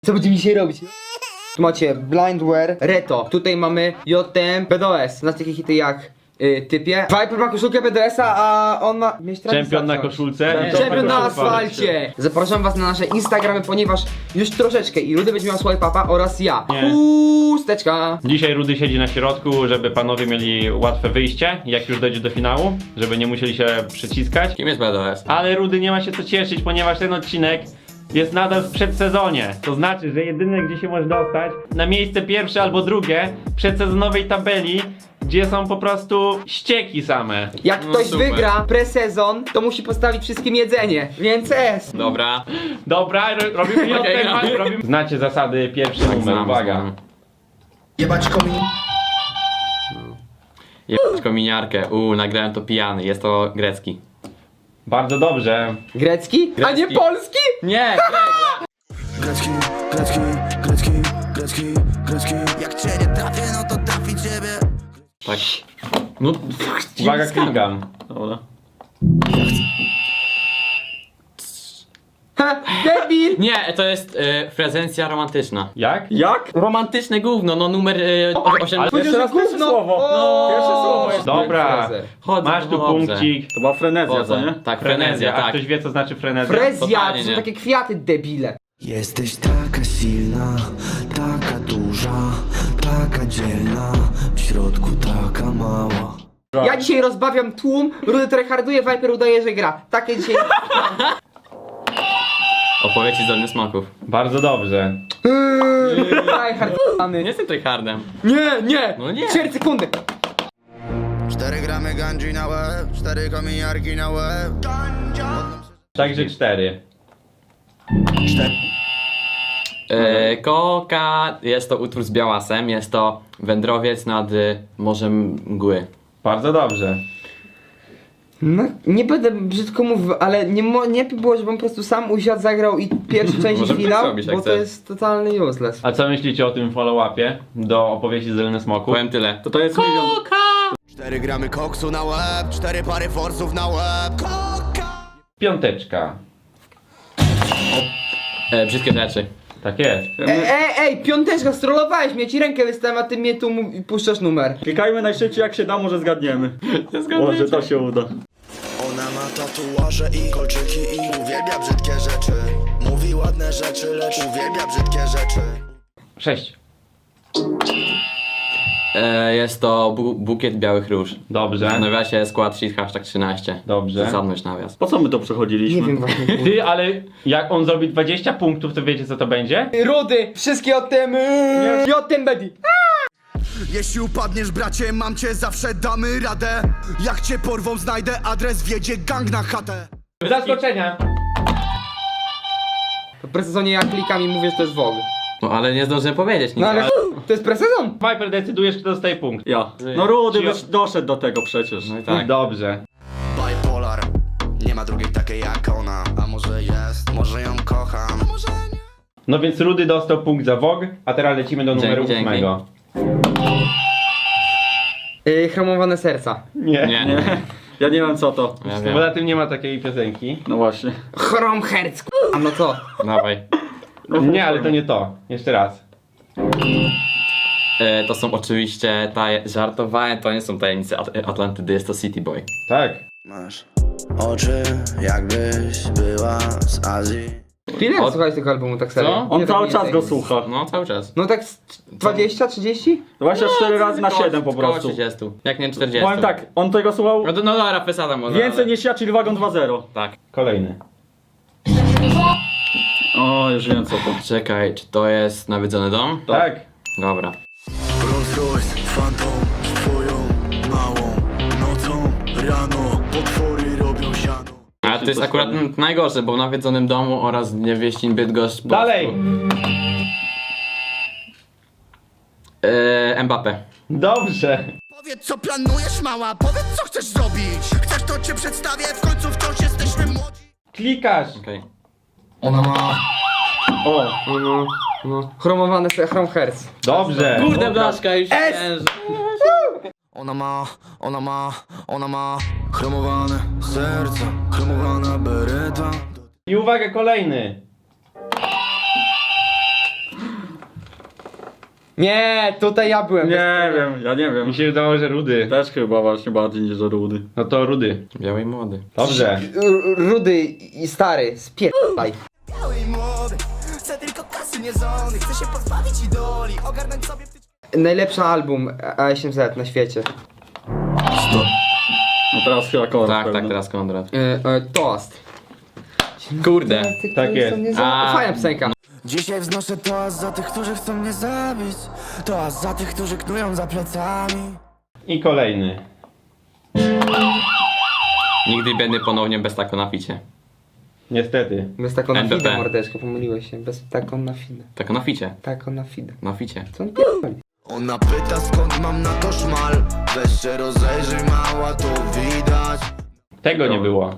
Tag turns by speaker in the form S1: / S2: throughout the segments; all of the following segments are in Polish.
S1: Co będziemy dzisiaj robić? Tu macie Blindware, Reto. Tutaj mamy JTM, BDOS. Znacie takie hity jak typie. Viper ma koszulkę BDS-a, a on ma...
S2: Czempion na koszulce. i
S1: Czempion na
S2: koszulka.
S1: asfalcie. Zapraszam was na nasze Instagramy, ponieważ już troszeczkę i Rudy będzie miał swipe upa oraz ja.
S2: Nie.
S1: Pusteczka.
S2: Dzisiaj Rudy siedzi na środku, żeby panowie mieli łatwe wyjście, jak już dojdzie do finału, żeby nie musieli się przyciskać.
S3: Kim jest BDS?
S2: Ale Rudy nie ma się co cieszyć, ponieważ ten odcinek jest nadal w przedsezonie. To znaczy, że jedyne gdzie się może dostać na miejsce pierwsze albo drugie w przedsezonowej tabeli, gdzie są po prostu ścieki same.
S1: Jak
S3: No
S1: ktoś
S3: super.
S1: wygra presezon, to musi postawić wszystkim jedzenie. Więc S.
S3: Dobra.
S2: Dobra, robimy
S3: Okej,
S2: JTM, robimy... Znacie zasady, pierwszy numer,
S3: znam,
S2: uwaga.
S3: znam.
S4: Jebać komin.
S3: Jebać kominiarkę. Nagrałem to pijany. Jest to grecki.
S2: Bardzo dobrze.
S1: Grecki? A nie
S3: Grecki.
S1: polski?
S3: Nie!
S4: Grecki, grecki, grecki, grecki, grecki. Jak cię nie trafię, no to trafi ciebie.
S3: Tak. No,
S2: Uwaga, klikam.
S3: Dobra.
S1: Ha, debil!
S3: Nie, to jest prezencja romantyczna.
S2: Jak?
S3: Jak? Romantyczne gówno, no numer 8.
S1: Powiedział, że gówno.
S5: słowo.
S1: O,
S5: Pierwsze słowo jest.
S2: Dobra.
S3: Chodzę,
S2: Masz tu
S3: chodzę.
S2: punkcik.
S5: To była frenezja, co nie?
S3: Tak, frenezja,
S2: A
S3: tak.
S2: ktoś wie co znaczy frenezja?
S1: Frezja,
S3: Totalnie
S1: to są
S3: nie.
S1: takie kwiaty, debile.
S4: Jesteś taka silna, taka duża, taka dzielna, w środku taka mała.
S1: Ja dzisiaj rozbawiam tłum, Rudy tryharduje, Viper udaje, że gra. Takie dzisiaj...
S3: Opowieści z Dolnych Smaków.
S2: Bardzo dobrze.
S1: Tryhard,
S3: Nie jestem tryhardem.
S1: Nie!
S3: No nie.
S1: 4 sekundy.
S4: 4 gramy gandzi na łeb, 4 kominiarki na łeb.
S2: Także 4.
S3: Koka, jest to utwór z Białasem, jest to wędrowiec nad Morzem Mgły.
S2: Bardzo dobrze.
S1: No, nie będę brzydko mówił, ale nie było, żebym po prostu sam usiadł, zagrał i pierwszy część
S3: Możemy tak
S1: finał,
S3: zrobić, jak
S1: bo to
S3: chcesz.
S1: jest totalny useless.
S2: A co myślicie o tym follow-upie do opowieści z Dolnych Smoków?
S3: Powiem tyle.
S5: To jest milion.
S4: 4 gramy koksu na łeb, 4 pary forsów na łeb. Koka!
S2: Piąteczka.
S3: Brzydkie rzeczy.
S2: Tak jest.
S1: Ej, piąteczka, strollowałeś mnie, ci rękę wystawiam, a ty mnie tu puszczasz numer.
S5: Klikajmy najszybciej jak się da, może zgadniemy. Może to się uda.
S4: Ona ma tatuaże i kolczyki i uwielbia brzydkie rzeczy. Mówi ładne rzeczy, lecz uwielbia brzydkie rzeczy.
S2: 6.
S3: Jest to bukiet białych róż.
S2: Dobrze.
S3: W nawiasie skład sheet hashtag 13.
S2: Dobrze.
S3: Zasadność nawias.
S5: Po co my to przechodziliśmy?
S1: Nie wiem właśnie.
S2: Ty, ale jak on zrobi 20 punktów, to wiecie co to będzie?
S1: Rudy, wszystkie o tym, Bedi.
S4: Jeśli upadniesz, bracie, mam cię, zawsze damy radę. Jak cię porwą, znajdę adres, wjedzie gang na chatę.
S2: Zaskoczenia.
S1: To presezonie ja klikam i mówię, że to jest WOG.
S3: No ale nie zdążyłem powiedzieć nic.
S1: No ale to jest presezon.
S2: Viper, decydujesz kto dostaje punkt.
S5: Ja. No Rudy
S2: Ci-
S5: byś doszedł do tego przecież.
S3: No i tak.
S2: Dobrze.
S4: Bipolar, nie ma drugiej takiej jak ona. A może jest, może ją kocham. Może nie.
S2: No więc Rudy dostał punkt za WOG, a teraz lecimy do numeru
S3: Dzięki,
S2: 8.
S1: Chromowane serca.
S2: Nie.
S3: Nie.
S5: Ja nie wiem co to.
S3: Ja
S2: Bo
S3: wiem.
S2: na tym nie ma takiej piosenki.
S5: No właśnie.
S1: Chromherz, a no co?
S3: Dawaj.
S2: Nie, ale to nie to. Jeszcze raz.
S3: To są oczywiście żartowałem, to nie są tajemnice Atlantydy, jest to City Boy.
S2: Tak.
S4: Masz oczy, jakbyś była z Azji.
S1: Ile
S3: Od-
S1: słuchałeś tego albumu tak serio?
S3: Co?
S5: On
S1: Ile
S5: cały
S1: tak
S5: czas
S1: mniej
S5: go
S1: więcej?
S5: słucha.
S3: No cały czas.
S1: No tak 20, 30?
S5: 24 razy na 7 po
S3: Koło
S5: prostu.
S3: 30. Jak nie 40.
S5: Powiem tak, on tego słuchał
S3: No dobra, pesada może.
S5: więcej
S3: ale...
S5: niż ja, czyli wagon 2-0.
S3: Tak.
S2: Kolejny.
S5: O, już wiem co to.
S3: Czekaj, czy to jest Nawiedzony Dom?
S2: Tak.
S3: Dobra.
S4: Rolls Royce, fantom, twoją małą nocą, rano, potwory robią siano.
S3: Ale to jest akurat najgorsze, bo w Nawiedzonym Domu oraz Niewieścin Bydgoszcz... po
S2: Dalej.
S3: prostu- Mbappé.
S2: Dobrze.
S4: Powiedz co planujesz, mała, powiedz co chcesz zrobić. Chcesz to cię przedstawię, w końcu wciąż jesteśmy młodzi.
S2: Klikasz.
S3: Okej.
S4: Ona ma...
S5: O,
S1: No. Chromowane Chromherz.
S2: Dobrze.
S3: Kurde blaszka, już
S4: Ona ma chromowane serce, chromowana bereta.
S2: I uwaga, kolejny.
S1: Nie, tutaj ja byłem.
S5: Nie wiem, ja nie wiem.
S2: Mi się wydawało, że Rudy.
S5: Też chyba właśnie bardziej niż Rudy.
S2: No to Rudy.
S3: Biały i młody.
S2: Dobrze.
S1: Rudy i stary, spierdaj.
S4: Biały i młody, chcę tylko kasy niezony. Chcę się pozbawić idoli, ogarnąć sobie wtyczkę.
S1: Najlepszy album A8Z na świecie.
S5: No teraz chyba Konrad
S3: Tak,
S5: pewnie.
S3: tak, teraz Konrad.
S1: Toast.
S3: Kurde.
S2: Tak jest.
S1: Fajna piosenka.
S4: Dzisiaj wznoszę toast za tych, którzy chcą mnie zabić. Toast za tych, którzy knują za plecami.
S2: I kolejny.
S3: Nigdy biedny ponownie bez tako na ficie.
S2: Niestety.
S1: Bez taką na
S3: NBP.
S1: fidę, mordeczko, pomyliłeś się. Bez taką na fidę.
S3: Tako na ficie.
S1: Taką na fidę.
S3: Na ficie.
S1: Co on pierdoli?
S4: Ona pyta, skąd mam na to szmal. Weź się rozejrzyj, mała, to widać.
S2: Tego nie było.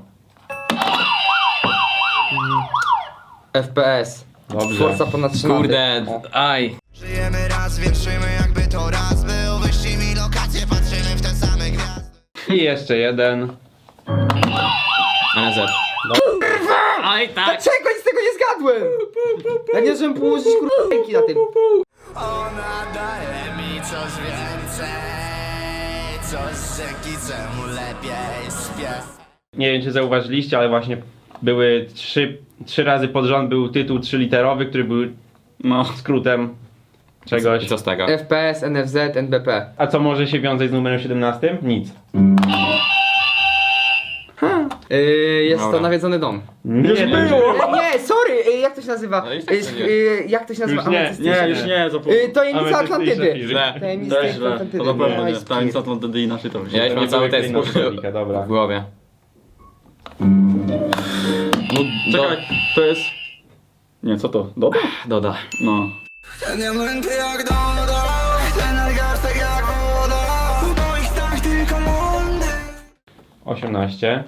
S1: FPS.
S2: Dobrze.
S1: Forza ponad 3
S3: Kurde, aj.
S4: Żyjemy raz, więc żyjmy jakby to raz był. Wyślij mi lokację, patrzymy w te same gwiazdy.
S2: I jeszcze jeden.
S3: NZ. Aj, tak.
S1: Dlaczego nic z tego nie zgadłem? Ja nie żebym położyć ręki na tym.
S4: Ona daje mi coś więcej. Coś dzięki czemu lepiej śpię.
S2: Nie wiem, czy zauważyliście, ale właśnie były trzy razy pod rząd był tytuł 3-literowy, który był
S5: No.
S2: skrótem czegoś.
S3: I co z tego?
S1: FPS, NFZ, NBP.
S2: A co może się wiązać z numerem 17? Nic.
S1: Jest
S3: Dobra.
S1: to nawiedzony dom.
S2: Nie,
S1: Nie, sorry, jak to się nazywa?
S3: No i tak to nie.
S1: Jak to się nazywa?
S2: Już nie.
S1: Ametystyczne.
S5: Nie, już nie, zapomnij.
S1: Tajemnica Atlantydy.
S3: Źle.
S1: Tajemnica
S5: Też źle.
S1: Atlantydy.
S5: To na pewno nie.
S1: Majski.
S5: Tańca to wtedy inaczej to
S3: Ja już mam cały tekst
S2: Dobra.
S3: w głowie. No,
S5: Czekaj, to jest... Nie, co to? Doda?
S3: Doda.
S5: No.
S4: Nie męty jak Doda, ten nadgarstek jak woda. W moich snach tylko mundy.
S2: 18.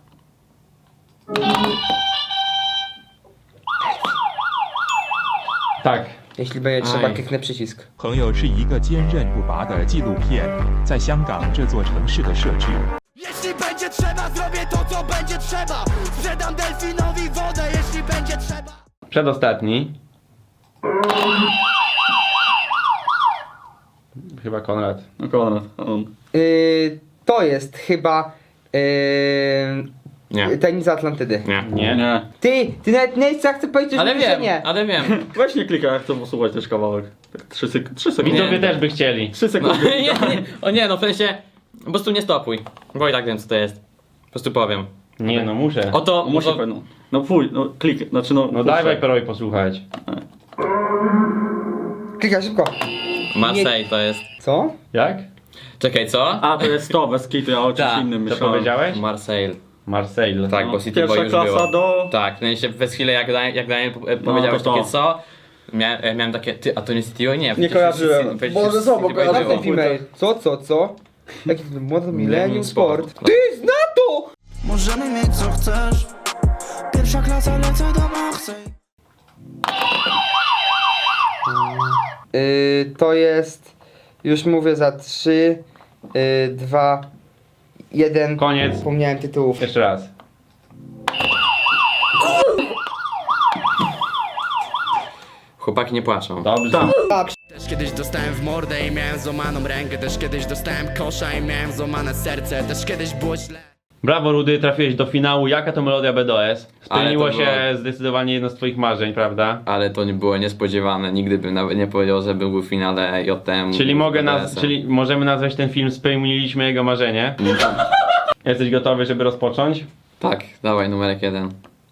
S2: Tak.
S1: Jeśli będzie trzeba,
S3: Aj.
S1: kliknę przycisk.
S6: 朋友是一个坚韧不拔的纪录片，在香港这座城市的设置。
S4: Jeśli będzie trzeba, zrobię to, co będzie trzeba. Sprzedam delfinowi wodę, jeśli będzie trzeba.
S2: Przedostatni. Chyba Konrad.
S5: No Konrad, on.
S1: To jest chyba
S3: Nie.
S1: Tajemnica Atlantydy.
S3: Nie.
S2: Nie.
S5: Nie.
S1: Ty nawet nie chcę powiedzieć,
S3: Ale
S1: że
S3: wiem,
S1: nie.
S3: ale wiem.
S5: Weź nie klikaj, jak chcę posłuchać też kawałek. Tak 3 sekundy.
S2: Widzowie też by chcieli.
S5: 3
S3: No,
S5: sekundy.
S3: nie, nie. O nie, no w sensie, po prostu nie stopuj. Bo i tak wiem co to jest. Po prostu powiem.
S2: Nie, no muszę.
S3: Oto,
S5: No musi pewno. No pójdź, no klik, znaczy no...
S2: No daj Viperowi posłuchać.
S1: Klikaj szybko.
S3: Marseille to jest.
S1: Co?
S2: Jak?
S3: Czekaj, co?
S5: A, to jest to, bez kitu, ja o czymś
S3: Tak,
S5: innym
S2: Co
S5: myślałem.
S2: powiedziałeś?
S3: Marseille.
S2: Marseille.
S3: Tak,
S5: No,
S3: bo City
S5: pierwsza
S3: Boy już
S5: klasa
S3: było.
S5: do...
S3: Tak, w sensie przez chwilę jak Daniel powiedziałeś
S5: to.
S3: takie co, miałem takie, ty, a to nie City Boy? Nie, przecież
S5: kojarzyłem.
S3: przecież
S1: Boże,
S3: City
S1: co,
S3: Boy
S1: bo
S3: było.
S1: ten female. Co? Jaki to młody Millennium Sport.
S3: Sport.
S1: Ty, zna to!
S4: Możemy mieć co chcesz. Pierwsza klasa, lecę do Marseille.
S1: To jest, już mówię za 3, 2, 1.
S2: Koniec.
S1: Zapomniałem tytułów.
S2: Jeszcze raz.
S3: Chłopaki nie płaczą.
S2: Dobrze.
S7: Też kiedyś dostałem w mordę i miałem złamaną rękę. Też kiedyś dostałem kosza i miałem złamane serce. Też kiedyś było źle.
S2: Brawo Rudy, trafiłeś do finału. Jaka to melodia BDOS? Spełniło
S3: Ale to
S2: się
S3: było-
S2: zdecydowanie jedno z twoich marzeń, prawda?
S3: Ale to nie było niespodziewane, nigdy bym nawet nie powiedział, że był w finale JTM.
S2: Czyli możemy nazwać ten film Spełniliśmy jego marzenie. Jesteś gotowy, żeby rozpocząć?
S3: Tak, dawaj numerek 1.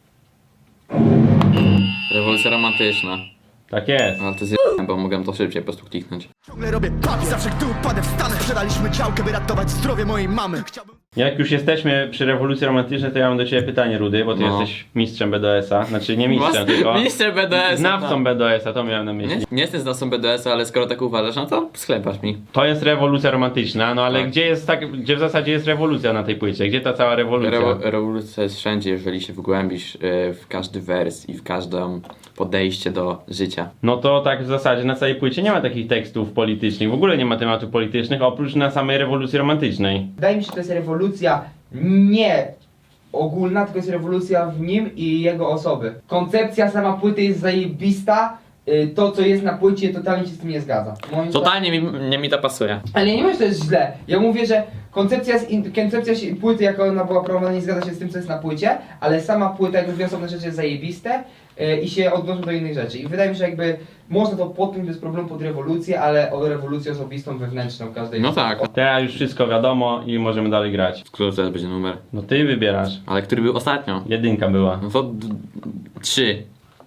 S3: Rewolucja romantyczna.
S2: Tak jest.
S3: Ale to jest bo mogłem to szybciej po prostu kliknąć.
S4: Ciągle robię papi, zawsze gdy upadę wstanę. Sprzedaliśmy działkę, by ratować zdrowie mojej mamy. Chciałbym...
S2: Jak już jesteśmy przy rewolucji romantycznej, to ja mam do ciebie pytanie, Rudy, bo ty
S3: No.
S2: jesteś mistrzem BDS-a. Znaczy nie mistrzem, tylko
S3: Mister BDS.
S2: znawcą BDS-a, to miałem na myśli.
S3: Nie jestem znawcą BDS, ale skoro tak uważasz, no to sklepasz mi.
S2: To jest rewolucja romantyczna, no ale
S3: Tak.
S2: gdzie w zasadzie jest rewolucja na tej płycie? Gdzie ta cała rewolucja?
S3: Rewolucja jest wszędzie, jeżeli się wgłębisz w każdy wers i w każde podejście do życia.
S2: No to tak w zasadzie na całej płycie nie ma takich tekstów politycznych, w ogóle nie ma tematów politycznych, oprócz na samej rewolucji romantycznej.
S1: Wydaje mi się, że to jest rewolucja nie ogólna, tylko jest rewolucja w nim i jego osoby. Koncepcja sama płyty jest zajebista, to co jest na płycie totalnie się z tym nie zgadza. Moim
S3: Totalnie nie mi to pasuje.
S1: Ale ja nie mówię, że to jest źle. Ja mówię, że koncepcja płyty, jak ona była prowadzona, nie zgadza się z tym, co jest na płycie, ale sama płyta, jak mówię, osobne rzeczy jest zajebiste i się odnoszą do innych rzeczy. I wydaje mi się, że jakby można to podpiąć bez problemu pod rewolucję, ale o rewolucję osobistą, wewnętrzną każdej.
S3: No tak.
S2: Teraz już wszystko wiadomo i możemy dalej grać.
S3: Który teraz będzie numer?
S2: No ty wybierasz.
S3: Ale który był ostatnio?
S2: 1 była.
S3: No to 3.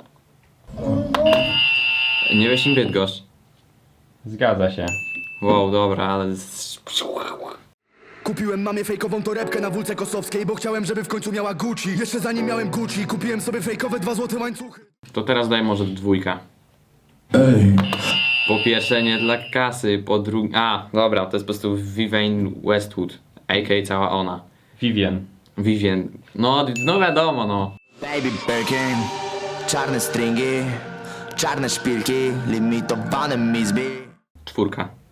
S3: Nie weź im Bydgoszcz.
S2: Zgadza się.
S3: Wow, dobra, ale...
S4: Kupiłem mamie fejkową torebkę na wólce kosowskiej, bo chciałem, żeby w końcu miała Gucci. Jeszcze zanim miałem Gucci, kupiłem sobie fejkowe 2 złote łańcuchy.
S3: To teraz daj może 2. Po pierwsze nie dla kasy, po drugie... A, dobra, to jest po prostu Vivienne Westwood, a.k.a. cała ona.
S2: Vivian.
S3: Vivien. No wiadomo, no.
S8: Baby Birkin, czarne stringi, czarne szpilki, limitowane mizby.
S3: 4.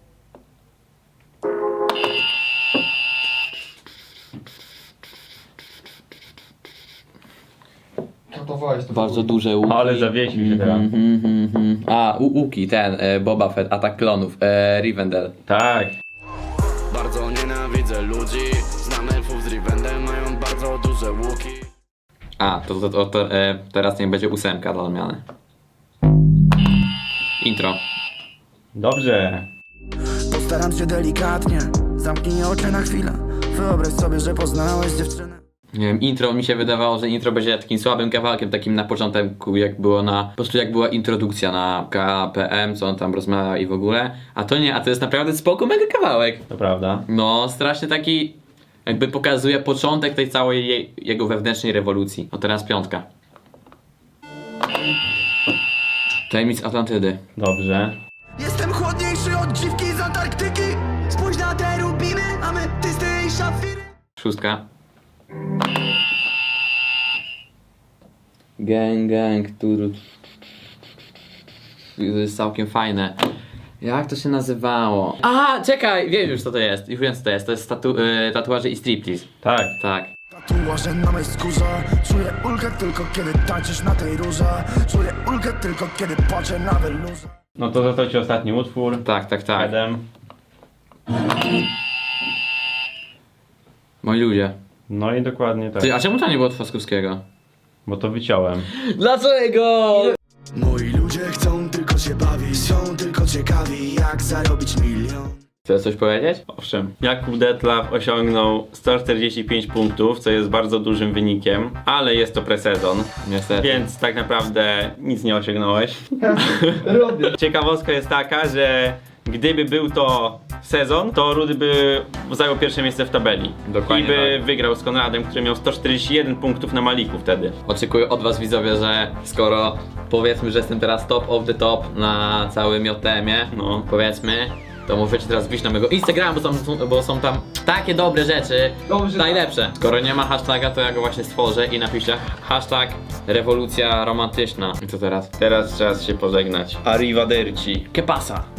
S1: Gotowałeś to.
S3: Bardzo duże łuki.
S2: Ale zawiesił się teraz.
S3: A, łuki, ten, Boba Fett, Atak Klonów, Rivendell.
S2: Tak.
S7: Bardzo nienawidzę ludzi. Znam elfów z Rivendell, mają bardzo duże łuki.
S3: A, to teraz nie będzie 8 dla odmiany. Intro.
S2: Dobrze.
S9: Postaram się delikatnie, zamknij oczy na chwilę. Wyobraź sobie, że poznałeś dziewczynę.
S3: Nie wiem, intro mi się wydawało, że intro będzie takim słabym kawałkiem, takim na początku, jak było po prostu jak była introdukcja na KPM, co on tam rozmawia i w ogóle. A to nie, a to jest naprawdę spoko mega kawałek.
S2: To prawda.
S3: No, strasznie taki, jakby pokazuje początek tej całej jego wewnętrznej rewolucji. No teraz 5. Tajemnic Atlantydy.
S2: Dobrze.
S9: Jestem chłodniejszy od dziwki z Antarktyki. Spójrz na te rubiny, ametysty i szafiry.
S3: 6. Gang, to jest całkiem fajne. Jak to się nazywało? A, czekaj, wiem już co to jest. Już wiem co to jest. To jest tatuaże i striptease.
S2: Tak.
S3: Tak.
S9: Tatuaże na mej skórze. Czuję ulgę tylko kiedy tańczysz na tej rurze. Czuję ulgę tylko kiedy patrzę na welurze.
S2: No to za to ci ostatni utwór.
S3: Tak.
S2: 7.
S3: Moi ludzie.
S2: No i dokładnie tak.
S3: Ty, a czemu to nie było od Faskowskiego?
S2: Bo to wyciąłem.
S3: Dlaczego?
S4: Moi ludzie chcą tylko się bawić, są tylko ciekawi jak zarobić milion.
S3: Chcesz coś powiedzieć?
S2: Owszem. Jakub Detlaf osiągnął 145 punktów, co jest bardzo dużym wynikiem, ale jest to presezon,
S3: Niestety.
S2: więc tak naprawdę nic nie osiągnąłeś.
S1: Robię.
S2: Ciekawostka jest taka, że gdyby był to sezon, to Rudy by zajął pierwsze miejsce w tabeli.
S3: Dokładnie
S2: I by
S3: tak.
S2: wygrał z Konradem, który miał 141 punktów na Maliku wtedy.
S3: Oczekuję od was widzowie, że skoro powiedzmy, że jestem teraz top of the top na całym JTM-ie,
S2: No.
S3: powiedzmy, to możecie teraz wbić na mojego Instagrama, bo są tam takie dobre rzeczy,
S1: Dobrze,
S3: najlepsze. Skoro nie ma hashtaga, to ja go właśnie stworzę i napiszę hashtag rewolucja romantyczna. I co teraz?
S2: Teraz czas się pożegnać. Arrivederci.
S3: Que pasa?